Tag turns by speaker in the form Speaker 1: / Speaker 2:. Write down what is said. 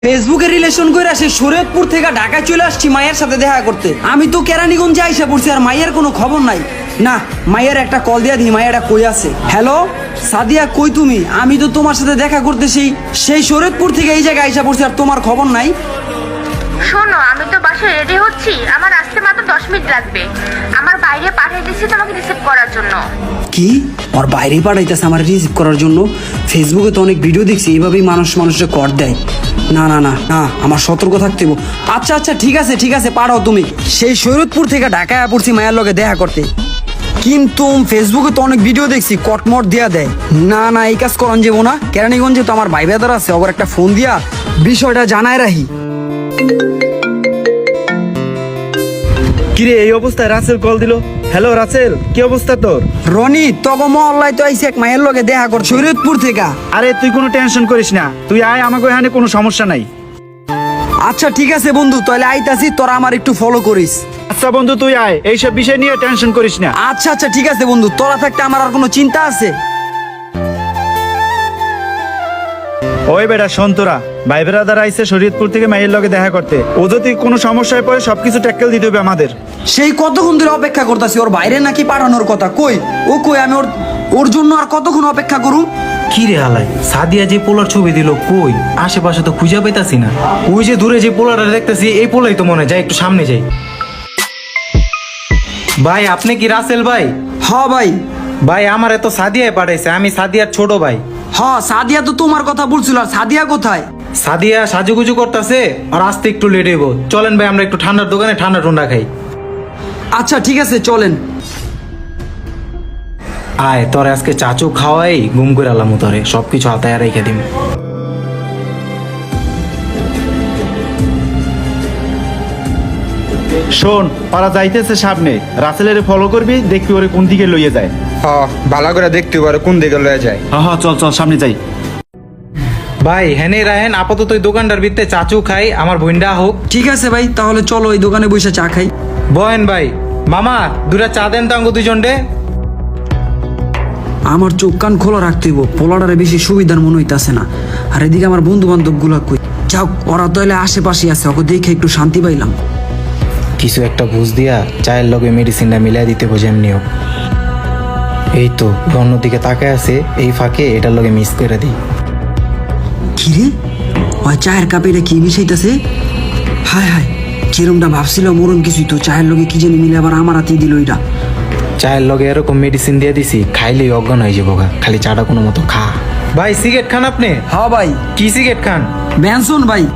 Speaker 1: ফেসবুকে রিলেশন করে আসে শরীয়তপুর থেকে ঢাকায় চলে আসছি মায়ের সাথে দেখা করতে। আমি তো কেরানীগঞ্জে আইসা পড়ছি আর মায়ের কোনো খবর নাই। না, মায়ের একটা কল দিয়া দিই, মায়েরা কই আছে। হ্যালো সাদিয়া, কই তুমি? আমি তো তোমার সাথে দেখা করতে সেই শরীয়তপুর থেকে এই জায়গায় আইসা পড়ছি আর তোমার খবর নাই।
Speaker 2: শোনো, আমি তো বাসায় রেডি হচ্ছি, আমার আসতে মাত্র 10 মিনিট লাগবে। আমার বাইরে পাঠিয়ে দিচ্ছি তোমাকে রিসিভ করার জন্য।
Speaker 1: কি? ওর বাইরে পাঠাইতেছে আমার রিসিভ করার জন্য? ফেসবুকে তো অনেক ভিডিও দেখছি এইভাবেই মানুষের কর দেয়। না না না না, আমার সতর্ক থাকতে হবে। আচ্ছা আচ্ছা, ঠিক আছে পাঠাও তুমি। সেই শরীয়তপুর থেকে ঢাকায় পড়ছি মায়ের লগে দেখা করতে, কিন্তু ফেসবুকে তো অনেক ভিডিও দেখছি কটমট দিয়া দেয়। না না, এই কাজ করন যাবো না। কেরানীগঞ্জে তো আমার ভাই বেদার আছে, ওর একটা ফোন দিয়া বিষয়টা জানায় রাখি।
Speaker 3: কিরে, এই অবস্থায় রাসেল কল দিল। হ্যালো রাসেল, কি অবস্থা তোর?
Speaker 1: রনি, তগো মহল্লায় তো আইসি এক মায়ের লগে দেখা কর শরীয়তপুর থেকে।
Speaker 3: আরে তুই কোনো টেনশন করিস না, তুই আয়, আমাকে এখানে কোনো সমস্যা নাই।
Speaker 1: আচ্ছা ঠিক আছে বন্ধু, তাহলে আইতাছি, তোরা আমার একটু ফলো করিস।
Speaker 3: আচ্ছা বন্ধু, তুই আয়, এইসব বিষয় নিয়ে টেনশন করিস না।
Speaker 1: আচ্ছা আচ্ছা ঠিক আছে বন্ধু, তোরা থাকতে আমার আর কোনো চিন্তা আছে?
Speaker 3: ওই বেটা শোন, তোরা ভাই বেড়াদার আইসে শরীয়তপুর থেকে মায়ের লগে দেখা করতে। ও যদি কোনো সমস্যায় পড়ে সবকিছু ট্যাকেল দিতে হবে আমাদের।
Speaker 1: সেই কতক্ষণ ধরে অপেক্ষা করতেছি, ওর বাইরে নাকি পাঠানোর কথা। কই ও, কই? আমি ওর জন্য আর কতক্ষণ অপেক্ষা করুম?
Speaker 4: কি রে আলাই, সাদিয়া যে পোলার ছবি দিল কই? আশেপাশে তো খুঁজে পাইতাছি না। ওই যে দূরে যে পোলারটা দেখতেছি, এই পোলাই তো মনে হয়। যাই একটু সামনে যাই। ভাই, আপনি কি রাসেল ভাই?
Speaker 1: হ ভাই।
Speaker 4: ভাই, আমার এত সাদিয়ায় পাঠাইছে, আমি সাদিয়ার ছোট ভাই।
Speaker 1: হ, সাদিয়া তো তোমার কথা বলছিল। আর সাদিয়া কোথায়?
Speaker 4: সাদিয়া সাজুগুজু করতেছে আর আসতে একটু লেট হইব। চলেন ভাই, আমরা একটু ঠান্ডার দোকানে ঠান্ডা টুন্ডা খাই।
Speaker 1: আচ্ছা ঠিক আছে, চলেন।
Speaker 4: আয়, তোরে আজকে চাচু খাওয়াই গুম করে আলাম, তোরে সবকিছু হাতায় রেখে দিম।
Speaker 3: শোন, ওরা যাইতেছে সামনে, রাসেলের ফলো করবি, দেখবি ওরে কোন দিকে লইয়ে যায়।
Speaker 5: ভালো করে দেখতে পারো কোন দিকে লয়ে যায়।
Speaker 3: হ্যাঁ চল চল, সামনে যাই।
Speaker 4: ভাই হেনে রাহেন, আপাতত ওই দোকানটার ভিতরে চাচু খাই, আমার বোনটা হোক।
Speaker 1: ঠিক আছে ভাই, তাহলে চলো ওই দোকানে বসে চা খাই।
Speaker 4: বহেন ভাই। মামা, দুটা চা দেন তো আঙ্গো দুইজন রে।
Speaker 1: আমার চোখ কান খোলা রাখতে হইব, পোলাডারে বেশি সুবিধার মনে হইতাছে না। আর এদিকে আমার বন্ধু বান্ধব গুলা কই? যাও, ওরা তো এলে আশেপাশে আছে, ওকে দেখে একটু শান্তি পাইলাম।
Speaker 4: কিছু একটা বুঝ দিয়া চায়ের লগে মেডিসিনটা মিলাই দিতে বোঝে এমনি হোক। এই তো অন্যদিকে তাকায় আছে, এই ফাঁকে এটার লগে মিস করে দিই।
Speaker 1: কিরে, ওই চায়ের কাপে এটা কি মিশাইতেছে? হায় হায়, যেরমটা ভাবছিল মরণ কিছুই তো, চায়ের লগে কি জানি মিলে আবার আমার হাতেই দিল এটা।
Speaker 4: চায়ের লগে এরকম মেডিসিন দিয়ে দিছি, খাইলেই অজ্ঞান হয়ে যাবো গা। খালি চাটা কোনো মতো খা। ভাই সিগারেট খান আপনি?
Speaker 1: হ্যাঁ ভাই।
Speaker 4: কি সিগারেট খান?
Speaker 1: ব্যানসন ভাই।